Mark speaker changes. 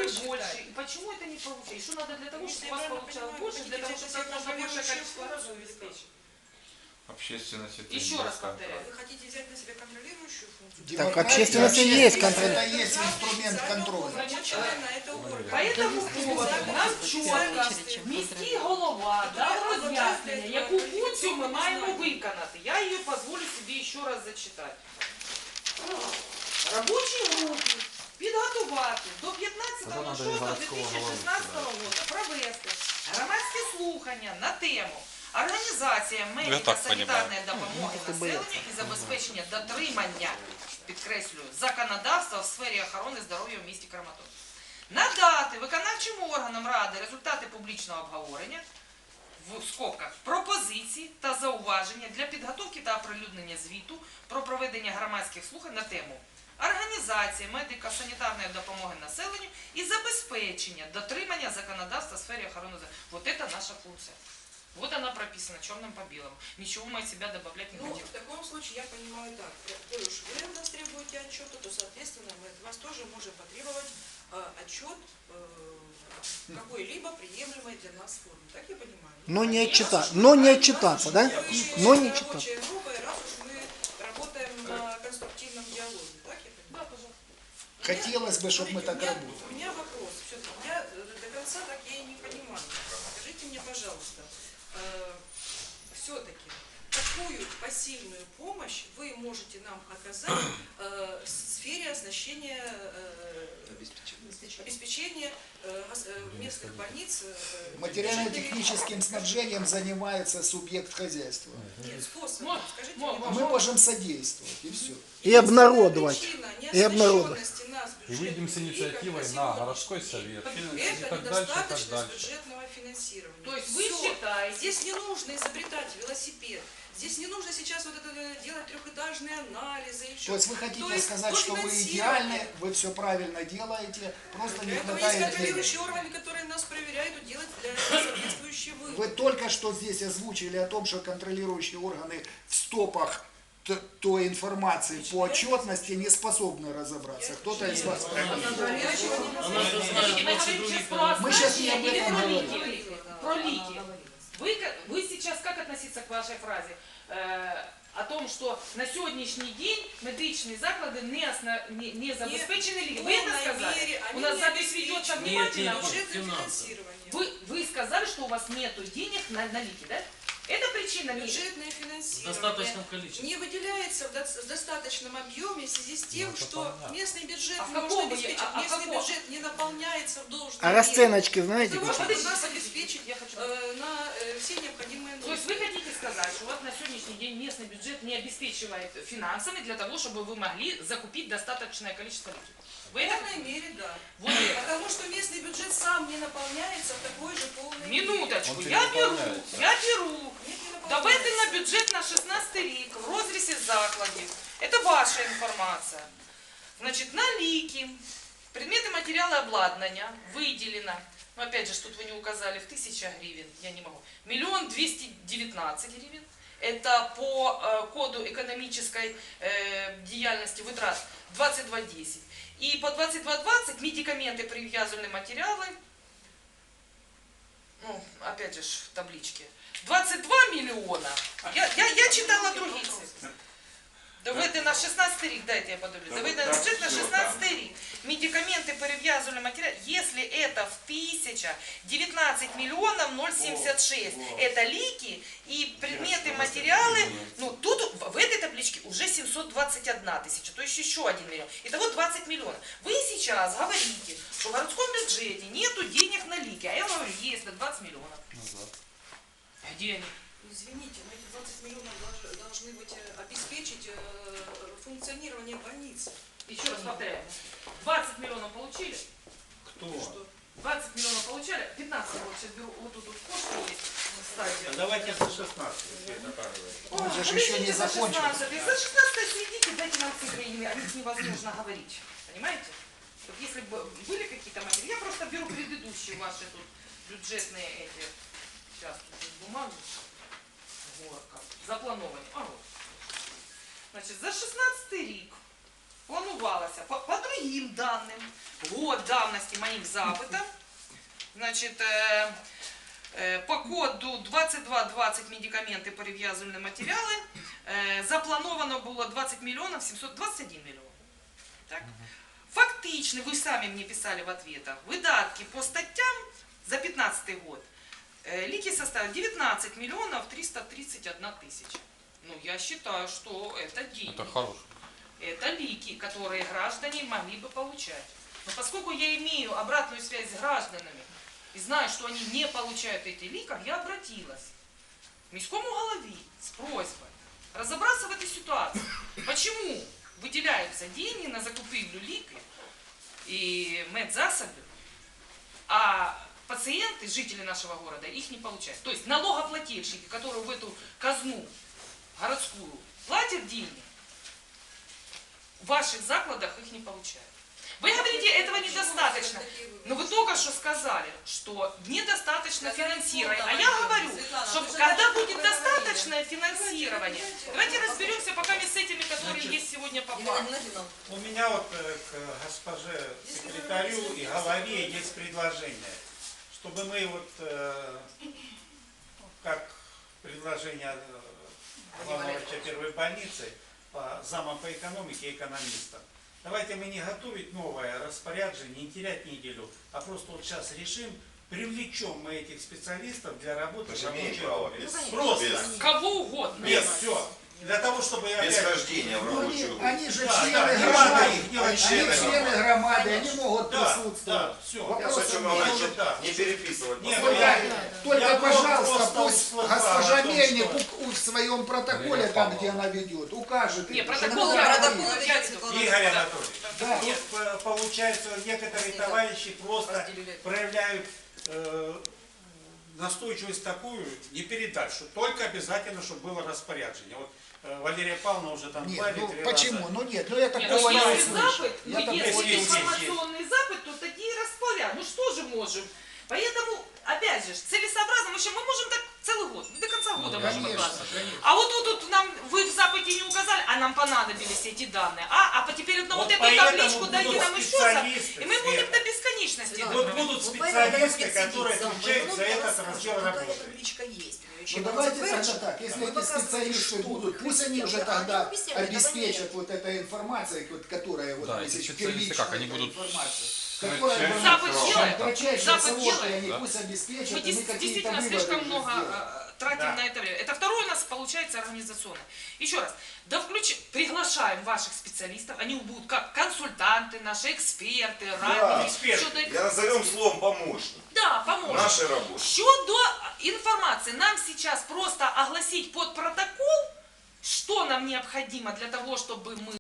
Speaker 1: больше. И почему это не получается? И что надо для того, чтобы у вас получалось больше, для того, чтобы можно большее количество раз обеспечить?
Speaker 2: Общественность это
Speaker 1: Еще раз повторяю.
Speaker 3: Вы хотите взять на себя контролирующую функцию?
Speaker 4: Так общественность и есть контроль.
Speaker 5: Это есть инструмент контроля.
Speaker 1: Поэтому поводу нам чітко міський голова дав роз'яснення, яку функцію ми маємо виконати. Я її дозволю собі ще раз зачитати. Робочій групі підготувати до 15.06.2016 року провести громадські слухання на тему організація медико-санітарної допомоги населенню і забезпечення дотримання, підкреслюю, законодавства в сфері охорони здоров'я в місті Краматорськ. Надати виконавчим органам Ради результати публічного обговорення, в скобках, пропозиції та зауваження для підготовки та оприлюднення звіту про проведення громадських слухань на тему організації медико-санітарної допомоги населенню і забезпечення дотримання законодавства в сфері охорони здоров'я. Вот это наша функция. Вот она прописана черным по белому. Ничего мы от себя добавлять не хотим.
Speaker 3: Ну, в таком случае я понимаю так. Коль уж вы от нас требуете отчета, то, соответственно, мы от вас тоже можем потребовать отчет какой-либо приемлемой для нас формы. Так я понимаю?
Speaker 4: Но не отчитаться, да? Но не отчитаться.
Speaker 3: Раз уж мы работаем на конструктивном диалоге. Так я понимаю?
Speaker 1: Да, пожалуйста.
Speaker 4: Хотелось бы, чтобы мы так работали.
Speaker 3: У меня вопрос. Все-таки я до конца так я и не понимаю. Скажите мне, пожалуйста, все-таки какую посильную помощь вы можете нам оказать в сфере оснащения, обеспечения местных больниц?
Speaker 4: Материально-техническим снабжением занимается субъект хозяйства.
Speaker 3: Нет, способом. Скажите мне,
Speaker 4: Мы
Speaker 3: пожалуйста.
Speaker 4: можем содействовать, и все.
Speaker 6: И обнародовать.
Speaker 3: Причина
Speaker 6: И обнародовать.
Speaker 3: неоснащенности нас
Speaker 7: И выйдем с
Speaker 3: бюджетом
Speaker 7: инициативой
Speaker 3: как
Speaker 7: на
Speaker 3: сегодня.
Speaker 7: городской совет.
Speaker 3: Это
Speaker 7: и так дальше, и так
Speaker 3: недостаточность
Speaker 7: дальше.
Speaker 3: бюджетного финансирования.
Speaker 1: То есть вы
Speaker 3: Всё.
Speaker 1: считаете...
Speaker 3: Здесь не нужно изобретать велосипед. Здесь не нужно сейчас вот это делать трехэтажные анализы и все.
Speaker 4: То есть вы хотите
Speaker 3: То есть
Speaker 4: сказать, что вы
Speaker 3: дофинансирование.
Speaker 4: идеальны, вы все правильно делаете, просто
Speaker 3: Для
Speaker 4: не
Speaker 3: этого есть
Speaker 4: хватает
Speaker 3: контролирующие
Speaker 4: денег.
Speaker 3: органы, которые нас проверяют и делают для соответствующие выводы.
Speaker 4: Вы только что здесь озвучили о том, что контролирующие органы в стопах той информации по отчетности не способны разобраться. Кто-то из вас прав. Мы сейчас не об этом говорим.
Speaker 1: Про лики. Вы сейчас как относиться к вашей фразе? О том, что на сегодняшний день медичные заклади не забезпечены лики. Вы это сказали? У нас запись ведется внимательно.
Speaker 3: Бюджетное финансирование.
Speaker 1: Вы сказали, что у вас нету денег на лики, да? Это причина
Speaker 3: Бюджетное финансирование
Speaker 8: В достаточном количестве.
Speaker 3: не выделяется в достаточном объеме в связи с тем, что местный бюджет
Speaker 1: А в
Speaker 3: не может
Speaker 1: каком
Speaker 3: обеспечить.
Speaker 1: вы-
Speaker 3: Местный
Speaker 1: каком?
Speaker 3: бюджет не наполняется в должном
Speaker 6: А расценочки знаете
Speaker 3: Для того,
Speaker 6: какие?
Speaker 3: чтобы нас обеспечить
Speaker 1: Я хочу...
Speaker 3: на все необходимые
Speaker 1: То есть
Speaker 3: нужды.
Speaker 1: вы хотите сказать, что вот на сегодняшний день местный бюджет не обеспечивает финансами для того, чтобы вы могли закупить достаточное количество ликов?
Speaker 3: В
Speaker 1: Вы это...
Speaker 3: полной мере, да.
Speaker 1: Вот это.
Speaker 3: Потому что местный бюджет сам не наполняется в такой же полной мере.
Speaker 1: Минуточку,
Speaker 7: Он
Speaker 1: я беру.
Speaker 7: перенаполняется.
Speaker 3: Нет, не наполняется.
Speaker 1: Доведено на бюджет на 16 рік в розрізі закладів. Это ваша информация. Значит, на лики, предметы материала обладнания выделено, ну опять же, тут вы не указали, в 1000 гривен, я не могу, 1 219 000 гривен. Это по коду экономической деятельности вытрат 2210. И по 2220 медикаменты, привязанные материалы, ну, опять же, в табличке, 22 миллиона. Я читала другие цифры. Доведе на 16 рік, дайте я подивлюсь. Доведе на бюджет на 16 рік. Медикаменты, перевязывали материал, если это в 1000, 19 миллионов 076. Это лики и предметы, материалы. Ну, тут в этой табличке уже 721 тысяча, то есть еще 1 миллион. Итого 20 миллионов. Вы сейчас говорите, что в городском бюджете нету денег на лики. А я говорю, есть, 20 миллионов. Где они?
Speaker 3: Извините, но эти 20 миллионов должны быть обеспечить функционирование больницы.
Speaker 1: Еще раз повторяю. 20 миллионов получили?
Speaker 2: Кто?
Speaker 1: 20 миллионов получали? 15 вот сейчас беру, вот тут кошка есть на стадии.
Speaker 2: Давайте за 16.
Speaker 4: Он же еще не закончил.
Speaker 1: За 16 следите, дайте нам цифры, о них невозможно говорить. Понимаете? Вот если бы были какие-то материалы, я просто беру предыдущие ваши тут бюджетные эти, сейчас тут бумаги, горка, заплановані. А вот. Значить, за 16 рік планувалося, по моим данным, год давности моих запытов, значит, по коду 2220 медикаменты перев'язувальні матеріали, заплановано було 20 миллионов 721 миллион. Так? Фактично, вы сами мне писали в ответах, выдатки по статьям за 2015 год лики составили 19 миллионов 331 тысяча. Ну, я считаю, что это деньги.
Speaker 7: Это хорошо.
Speaker 1: Это лики, которые граждане могли бы получать. Но поскольку я имею обратную связь с гражданами и знаю, что они не получают эти ликов, я обратилась к міському голові с просьбой разобраться в этой ситуации. Почему выделяются деньги на закупівлю ліків и медзасобів, а пациенты, жители нашего города, их не получают. То есть налогоплательщики, которые в эту казну городскую платят деньги, в ваших закладах их не получают. Вы говорите, этого недостаточно. Но вы только что сказали, что недостаточно финансирования. А я говорю, что когда будет достаточное финансирование, давайте разберемся пока с этими, которые есть сегодня по факту.
Speaker 5: У меня вот к госпоже секретарю и голове есть предложение, чтобы мы вот, как предложение главного врача первой больницы, зама по экономике и экономиста, давайте мы не готовить новое распоряджение, не терять неделю, а просто вот сейчас решим, привлечем мы этих специалистов для работы в рабочее время. Просто.
Speaker 1: Кого угодно.
Speaker 5: Нет, все. Для того, чтобы
Speaker 8: Без
Speaker 5: опять...
Speaker 8: хождения в
Speaker 4: Ну,
Speaker 8: рабочую.
Speaker 4: они же
Speaker 5: Да,
Speaker 4: члены
Speaker 5: да, не
Speaker 4: громады,
Speaker 5: надо их делать
Speaker 4: они члены громады, они могут
Speaker 5: Да,
Speaker 4: присутствовать.
Speaker 5: да, все.
Speaker 8: Я
Speaker 4: Вопросов
Speaker 8: хочу
Speaker 4: нет.
Speaker 8: значит,
Speaker 5: да.
Speaker 8: не переписывать.
Speaker 5: Нет,
Speaker 8: потом.
Speaker 4: Только, пожалуйста,
Speaker 5: просто
Speaker 4: пусть
Speaker 5: услыхал
Speaker 4: госпожа
Speaker 5: о том,
Speaker 4: Мельник
Speaker 5: что-
Speaker 4: в своем протоколе, там, где она ведет, укажет.
Speaker 1: Не,
Speaker 4: это,
Speaker 1: протокол
Speaker 4: что
Speaker 1: я
Speaker 4: она
Speaker 1: протокол
Speaker 4: говорит.
Speaker 1: я веду.
Speaker 5: Игорь
Speaker 1: Да.
Speaker 5: Анатольевич,
Speaker 4: Да.
Speaker 5: тут получается, некоторые товарищи просто проявляют настойчивость такую, не передать, что только обязательно, чтобы было распоряджение. Вот Валерия Павловна уже там
Speaker 4: Нет,
Speaker 5: два или
Speaker 4: ну
Speaker 5: три
Speaker 4: почему?
Speaker 5: раза.
Speaker 4: Ну нет, ну я
Speaker 1: Нет,
Speaker 4: такого
Speaker 1: ну,
Speaker 4: не
Speaker 1: если
Speaker 4: услышал.
Speaker 1: запад,
Speaker 4: Я
Speaker 1: ну,
Speaker 4: такого
Speaker 1: если
Speaker 4: не
Speaker 5: есть,
Speaker 4: услышал.
Speaker 1: информационный запад, то такие распоряд. Ну что же можем? Поэтому, опять же, целесообразно, мы можем так целый год, до конца года можем
Speaker 4: Конечно,
Speaker 1: откладывать.
Speaker 4: конечно.
Speaker 1: А вот тут нам, вы в западе не указали, а нам понадобились эти данные. А теперь на вот,
Speaker 5: Вот
Speaker 1: эту
Speaker 5: поэтому
Speaker 1: табличку дайте
Speaker 5: будут
Speaker 1: нам еще
Speaker 5: специалисты,
Speaker 1: и мы будем
Speaker 5: Света.
Speaker 1: до бесконечности.
Speaker 5: Вот
Speaker 1: это
Speaker 5: будут
Speaker 3: Вот поэтому надо
Speaker 5: специалисты,
Speaker 3: будет
Speaker 5: которые
Speaker 3: сидеть
Speaker 5: отвечают
Speaker 3: сам.
Speaker 5: за этот раздел
Speaker 3: Какая
Speaker 5: работы.
Speaker 3: табличка есть.
Speaker 4: Ну давайте тогда так, если эти специалисты будут, пусть они уже тогда обеспечат вот этой информацией, вот, которая вот
Speaker 7: Да, эти
Speaker 4: здесь
Speaker 7: специалисты как, они
Speaker 4: эта
Speaker 7: будут-
Speaker 4: информация,
Speaker 8: Ну,
Speaker 4: которая
Speaker 8: часть
Speaker 1: Запад
Speaker 8: срок.
Speaker 1: делает.
Speaker 4: кратчайшие
Speaker 1: Запад
Speaker 4: сроки,
Speaker 1: делает,
Speaker 4: они
Speaker 7: да.
Speaker 4: пусть обеспечат,
Speaker 1: Мы
Speaker 4: и мы какие-то
Speaker 1: действительно
Speaker 4: выводы
Speaker 1: слишком
Speaker 4: уже
Speaker 1: много
Speaker 4: сделаем.
Speaker 1: тратим
Speaker 5: Да.
Speaker 1: на это время. Это второе у нас получается организационно. Еще раз, приглашаем ваших специалистов, они будут как консультанты, наши эксперты, радники,
Speaker 5: эксперты.
Speaker 1: щодо
Speaker 8: Я назовем словом помощник.
Speaker 1: Да, поможет.
Speaker 8: Нашей работе.
Speaker 1: Щодо информации, нам сейчас просто огласить под протокол, что нам необходимо для того, чтобы мы